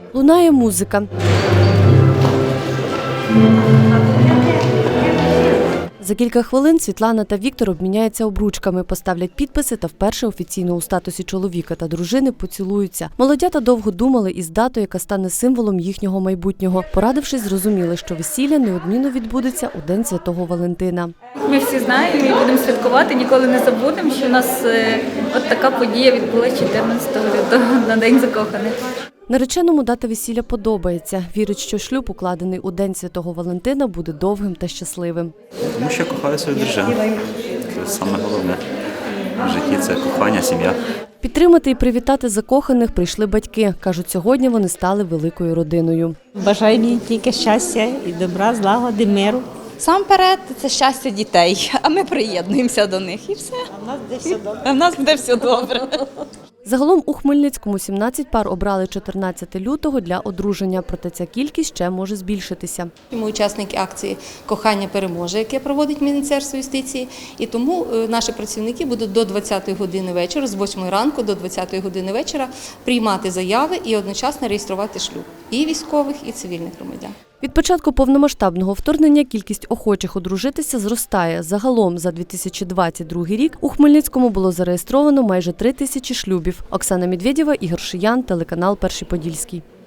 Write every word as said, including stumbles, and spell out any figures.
Лунає музика. За кілька хвилин Світлана та Віктор обміняються обручками, поставлять підписи та вперше офіційно у статусі чоловіка та дружини поцілуються. Молодята довго думали із датою, яка стане символом їхнього майбутнього. Порадившись, зрозуміли, що весілля неодмінно відбудеться у День Святого Валентина. Ми всі знаємо і будемо святкувати, ніколи не забудемо, що у нас е, от така подія відбулася чотирнадцятого лютого на День закоханих. Нареченому дата весілля подобається. Вірить, що шлюб, укладений у День Святого Валентина, буде довгим та щасливим. Тому що кохаю свою дружину. Це саме головне в житті – це кохання, сім'я. Підтримати і привітати закоханих прийшли батьки. Кажуть, сьогодні вони стали великою родиною. Бажаю їм тільки щастя і добра, злагоди, миру. Сам перед – це щастя дітей, а ми приєднуємося до них і все. А в нас буде все добре. А в нас буде все добре. Загалом у Хмельницькому сімнадцять пар обрали чотирнадцятого лютого для одруження, проте ця кількість ще може збільшитися. Ми учасники акції «Кохання переможе», яке проводить Міністерство юстиції, і тому наші працівники будуть до двадцятої години вечора, з восьмої ранку до двадцятої години вечора приймати заяви і одночасно реєструвати шлюб і військових, і цивільних громадян. Від початку повномасштабного вторгнення кількість охочих одружитися зростає. Загалом за дві тисячі двадцять другий рік у Хмельницькому було зареєстровано майже три тисячі шлюбів. Оксана Медведєва, Ігор Шиян, телеканал «Перший Подільський».